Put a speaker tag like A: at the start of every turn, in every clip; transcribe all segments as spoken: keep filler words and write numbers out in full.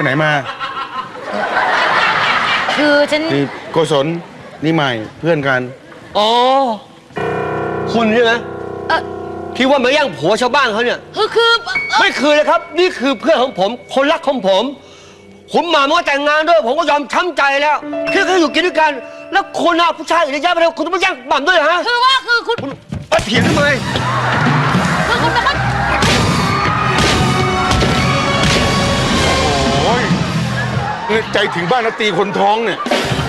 A: ไหนมา
B: คือฉัน
A: นี่โกศลนี่ใหม่เพื่อนกัน
C: อ๋อคุณใช่ไหม
B: เออ
C: ที่ว่ามาแย่งผัวชาวบ้านเขาเนี่ย
B: คือคือ
C: ไม่คือเลยครับ นี่คือเพื่อนของผมคนรักของผมคุณหม่ำก็แต่งงานด้วยผมก็ยอมช้ำใจแล้วแค่แค่อยู่กินด้วยกันแล้วคนเอาผู้ชายอื่นเยอะแยะไปเลยคุณต้องมาแย่งหม่ำด้วยเหรอฮะ
B: คือว่าคือคุณ
C: มาเถียงทำไม
B: คือคุณเป็นคน
A: โอ้ยใจถึงบ้านแล้วตีคนท้องเนี่ย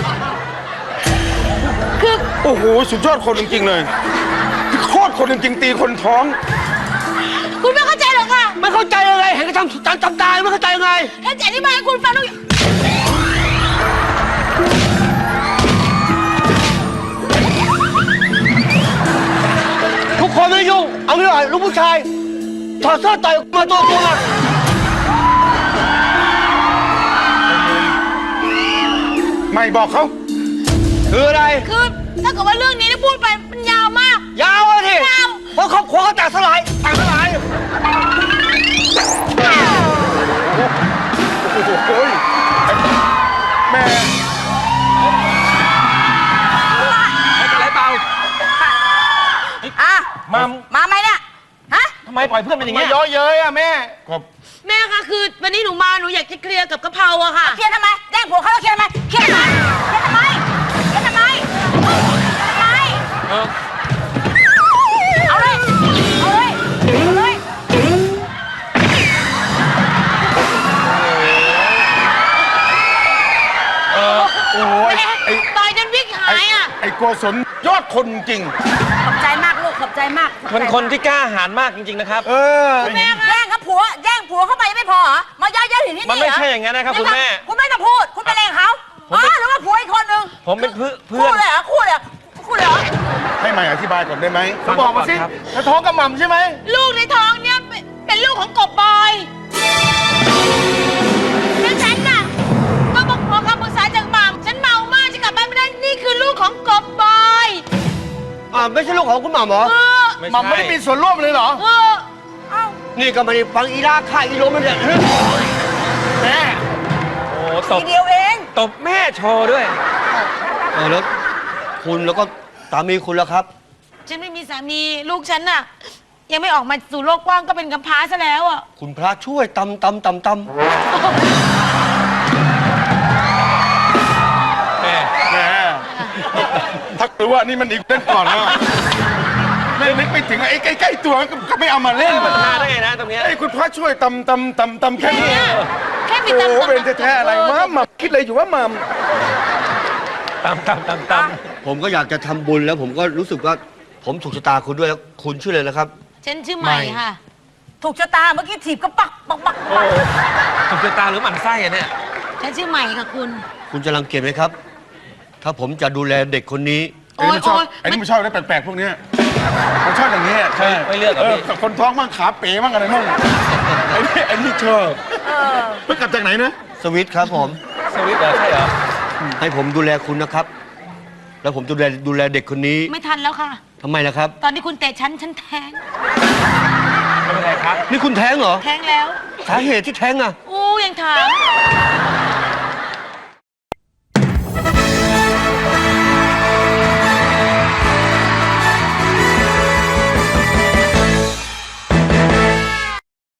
B: คือ
A: โอ้โหสุดยอดคนจริงๆเลยโคตรคนจริงๆตีคนท้อง
B: คุณไม่เข้าใจหรอกค่ะ
C: ไม่เข้าใจยังไงเห็นเขาทำจำจำตายไม่เข้าใจยังไง
B: ถ้าจะอธิบายให้คุณฟังต้อง
C: ทุกคนไม่ยุ่งเอางี้หน่อยลูกผู้ชายถอดเสื้อต่อยมาตัวตัว
A: ไม่บอกเขา
C: คืออะไร
B: คือถ้าเกิดว่าเรื่องนี้ได้พูดไปมันยาวมาก
C: ยาวอะที
B: ยาว
C: เพราะครอบครัวเขาแตกสลายแตกสลาย
A: โอ้ยแม่
D: ไม่เป็นไรเปล่า
B: อ่ะ
D: มา
B: มาไหมเนี่ยฮะ
D: ทำไมปล่อยเพื่อนเป็นอย่างเงี้ย
A: เยอะเย้ยอะแม่ก็
B: แม่ค่ะคือวันนี้หนูมาหนูอยากจะเคลียร์กับกะเพราอะค่ะเคลียร์ทำไมแย่งผัวเขาเคลียร์ทำไมเคลียร์ทำไมเคลียร์ทำไมเคลียร์ทำไมทำไมเอาเลยเอาเลยเอาเลย
A: เออโอ้ยไอ้
B: ต่อยจนวิกหายอะ
A: ไอ้โกศลยอดคนจริง
B: ขอบใจมากลูกขอบใจมาก
D: เป็นคนที่กล้าหาญมากจริงๆนะครับ
A: เออ
B: แม่แย่งกับผัวแย่งผัวเข้าไปยังไม่พอเหรอมาย้ายย้ายถึงที่นี่
D: มันไม่ใช่อย่างนั้นนะครับคุณแม่
B: คุณไม่ต้องพูดคุณไปเล่นเขาอ๋อหรือว่าผัวอีกคนนึง
D: ผมเป็นเพื่อน
B: คู่เลยเหรอคู่เลยคู่เลยเหรอ
A: ให้ใหม่อธิบายก่อนได้ไหม
D: เขาบอกมาสิเธอท้องกับหม่ำใช่ไหม
B: ลูกในท้องเนี่ยเป็นลูกของกบบอยแล้วฉันน่ะก็บอกขอคำปรึกษาจากหม่ำฉันเมามากฉันกลับบ้านไม่ได้นี่คือลูกของกบบอย
C: อ่าไม่ใช่ลูกของคุณหม่ำเหรอ
A: หม่ำไม่ได้มีส่วนร่วมเลยเหรอ
B: เออเอ้า
C: นี่ก็ไม่ได้ฟังอีลาค่าอีโรมันเนี่ย
D: แม่โอ้ตบ
B: ทีเดียวเอง
D: ตบแม่โชว์ด้วย
C: เออแล้วคุณแล้วก็สามีคุณแล้วครับ
B: ฉันไม่มีสามีลูกฉันน่ะยังไม่ออกมาสู่โลกกว้างก็เป็นกำพร้าซะแล้วอ่ะ
C: คุณพระช่วยตำตำตำตำ
D: แม่
A: แม่ถ้ารู้ว่านี่มันอีกเล่นก่อนแล้วเล่นนึกไปถึงไอ้ใกล้ๆตัวก็ไม่เอามาเล่น
D: มันพลาดได้ไงนะตรงนี้
A: ไอ้คุณพระช่วยตำตำตำตำแค่นี้
B: แค่มีตำ
A: โอ้เป็นแท้ๆอะไรวะหม่ำคิดอะไรอยู่ว่าหม่
D: ำตำตำตำต
C: ำผมก็อยากจะทำบุญแล้วผมก็รู้สึกว่าผมถูกชะตาคุณด้วยแล้วคุณชื่ออะไรนะครับ
B: ฉันชื่อใหม่ค่ะถูกชะตาเมื่อกี้ถีบก็ปักปักปัก
D: ถูกชะตาหรือหมั่นไส้อะเนี่ย
B: ฉันชื่อใหม่ค่ะคุณ
C: คุณจะรังเกียจไหมครับถ้าผมจะดูแลเด็กคนนี้
A: ไอ้นี่ไม่ชอบไอ้นี่ไม่ชอบอะไรแปลกๆพวกนี้มันชอบอย่างนี้ใช่
D: ไม่เลือกกับพี่
A: คนท้องมั่งขาเป๋มั่งอะไรมั่งไอ้นี่ไอ้นี่ชอบเพิ่งกลับจากไหนนะ
C: สวิตครับผม
D: สวิตเหรอใช่เหรอ
C: ให้ผมดูแลคุณนะครับแล้วผมดูแลดูแลเด็กคนนี้
B: ไม่ทันแล้วค่ะ
C: ทำไมล่ะครับ
B: ตอนที่คุณเตะฉันฉันแทง
D: ไม่เป็นไรครับ
C: นี่คุณแท้งเหรอ
B: แทงแล้ว
C: สาเหตุที่แท้งอ่ะ
B: อู้ยังถาม